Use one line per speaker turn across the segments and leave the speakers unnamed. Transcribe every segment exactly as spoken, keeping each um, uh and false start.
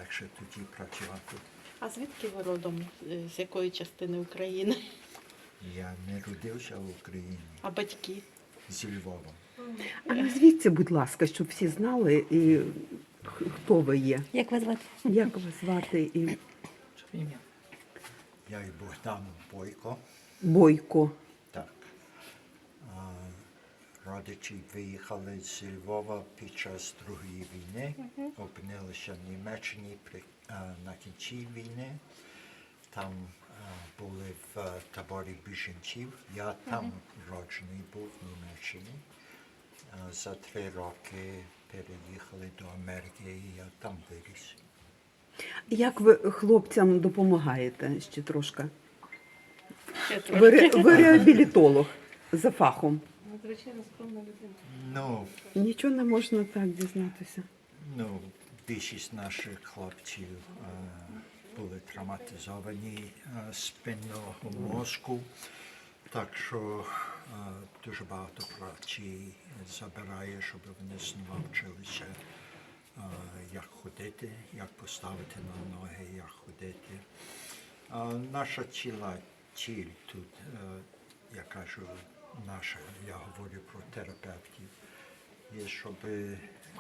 легше тоді працювати.
А звідки ви родом? Е, З якої частини України?
Я не родився в Україні,
А батьки?
зі Львова.
А назвіться, будь ласка, щоб всі знали, і х- хто ви є.
Як вас звати?
Як вас звати? І
Я і Богдан Бойко.
Бойко.
Так. А, Родичі виїхали з Львова під час Другої війни, опинилися в Німеччині при, а, на кінці війни. Там а, були в а, таборі біженців. Я там роджений був в Німеччині. А, за три роки переїхали до Америки і я там виріс.
Як ви хлопцям допомагаєте ще трошки?
Ще
Ви, ре- ви реабілітолог за фахом.
Ну,
Нічого не можна так дізнатися.
Ну, більшість наших хлопців е, були травматизовані е, спинного мозку, так що е, дуже багато праці забирає, щоб вони знову вчилися, е, як ходити, як поставити на ноги, як ходити. Е, наша ціла ціль тут, е, я кажу, наша, я говорю про терапевтів, є, щоб е,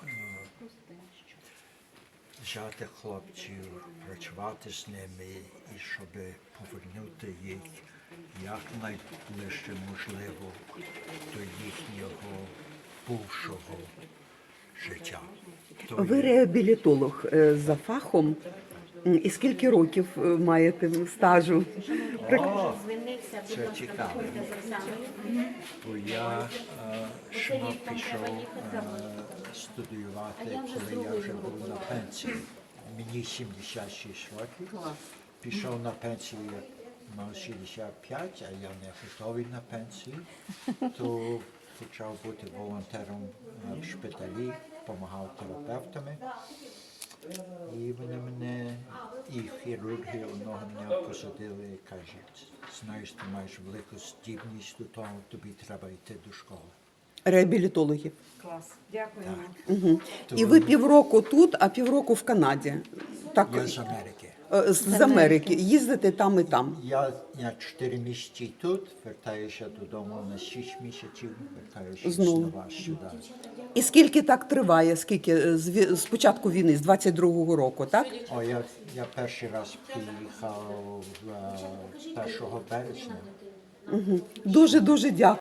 взяти хлопців, працювати з ними і щоб повернути їх якнайближче можливо до їхнього бувшого життя. То
Ви
є-
реабілітолог е, за фахом. М, І скільки років е, маєте стажу?
О, це цікаво. Бо я е, ще пішов е, студіювати, коли я вже був на пенсії. Мені сімдесят шість років. Пішов на пенсію, я мав шістдесят п'ять, а я не готовий на пенсію. То почав бути волонтером е, в шпиталі, допомагав терапевтами. І вони мене, і хірурги одного дня посадили і кажуть, знаєш, ти маєш велику здібність до того, тобі треба йти до школи.
Реабілітологів.
Клас. Дякуємо.
Угу.
То
І ви півроку тут, а півроку в Канаді. Так,
Я з Америки.
е, з з Америки. Їздите там і там.
Я, я чотири місяці тут, вертаюся додому на шість місяців, вертаюся
Знову.
знову сюди.
І скільки так триває? Скільки е, з, ві- з початку війни, з двадцять другого року, так?
О, я, я перший раз приїхав е, першого березня.
Дуже-дуже дякую.